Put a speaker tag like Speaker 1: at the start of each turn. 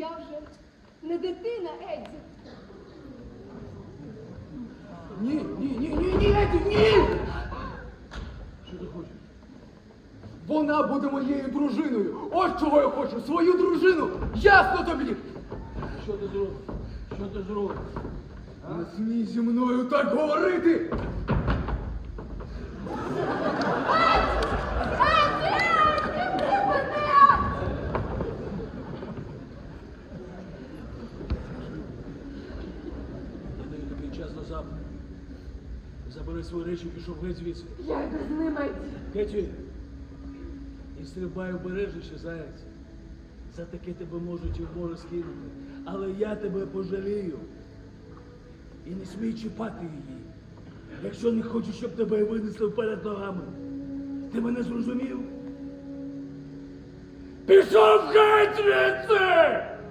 Speaker 1: Я вже не дитина, Едді.
Speaker 2: Ні, Едді, ні! Що ти хочеш? Вона буде моєю дружиною. Ось чого я хочу, свою дружину. Ясно тобі?
Speaker 3: Що ти зробиш? Що ти зробиш?
Speaker 2: Не смій зі мною так говорити!
Speaker 3: Я даю тобі час до завтра. Забери свої речі і пішов геть звідси.
Speaker 1: Я йду з ним, Едді.
Speaker 3: Кеті, і стрибай обережніше, заяць. За таке тебе можуть і в море скинути. Але я тебе пожалію. І не смій чіпати її. Якщо не хочеш, щоб тебе винесли вперед ногами. Ти мене зрозумів? Пішов геть звідси!